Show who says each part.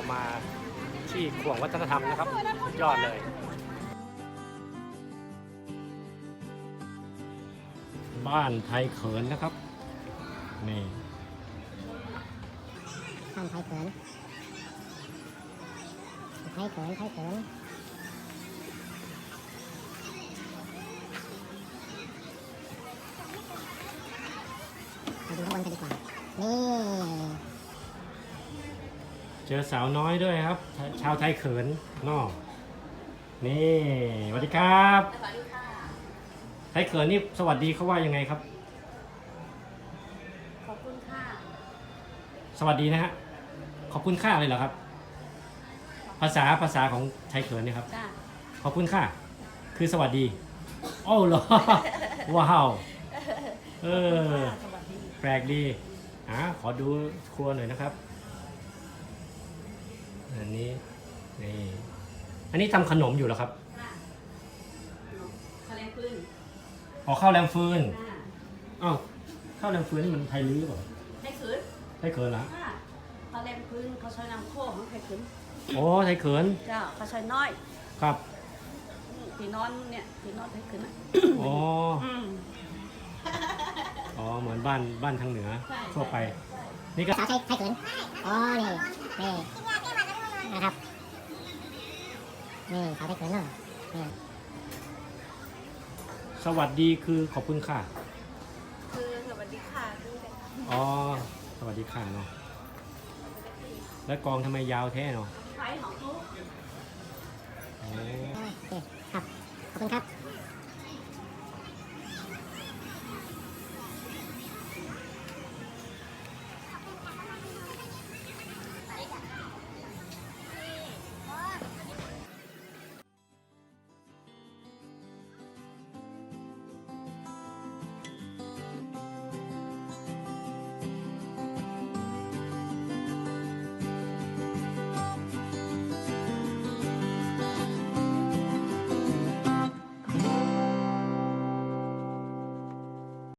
Speaker 1: มาที่ขวงวัฒนธรรมนะครับสุดยอดเลยบ้านไทยเขินนะครับนี่
Speaker 2: บ้านไทยเขินไทยเขินไทยเขินมาดูข้างบนกันดีกว่านี่
Speaker 1: เจอสาวน้อยด้วยครับชาวไทยเขินนอกนี่สวัสดีครับ
Speaker 3: สวัสดีค่ะ
Speaker 1: ไทยเขินนี่สวัสดีเขาว่ายังไงครับ
Speaker 3: ขอบคุณค่ะ
Speaker 1: สวัสดีนะฮะขอบคุณค่าเลยเหรอครับภาษาของไทยเขินเนี่ยครับ
Speaker 3: จ้า
Speaker 1: ขอบคุณค่ะคือสวัสดีโอ้เหรอว้าวเออ
Speaker 3: สวัสดี
Speaker 1: แปลกดีขอดูครัวหน่อยนะครับอันนี้นี่อันนี้ทำขนมอยู่เหรอครับ
Speaker 3: ค่ะข้าวแรงปืน
Speaker 1: ข้าวแรมฟืน
Speaker 3: ค่ะ
Speaker 1: อ้าวข้าวแรมฟืนนี่มันไทยลื้อเปล่า
Speaker 3: ไทยขืน
Speaker 1: ไทยเขินเหรอ
Speaker 3: ค่ะข้าวแรงปืนเขาใช้น้ำโค้งของไทยขืน
Speaker 1: โอ้ไทยเขิน
Speaker 3: จ้าเขาใช้น้อย
Speaker 1: ครับ
Speaker 3: ตีนอนเนี่ยตีนอนไทยขืนอ่ะ
Speaker 1: อ๋อเหมือนบ้านทางเหนือทั่วไปนี่ก็
Speaker 2: สาวไทยเขินอ๋อนี่นะครับนี่สาวไทยเขินเนาะนี่
Speaker 1: สวัสดีคือขอบคุณค่ะ
Speaker 3: คือสวัสดีค่ะคือ
Speaker 1: อ๋อสวัสดีค่ะเนาะแล้วกองทำไมยาวแท้เนาะ
Speaker 3: ไฟของทุก
Speaker 2: โอเคครับขอบคุณครับ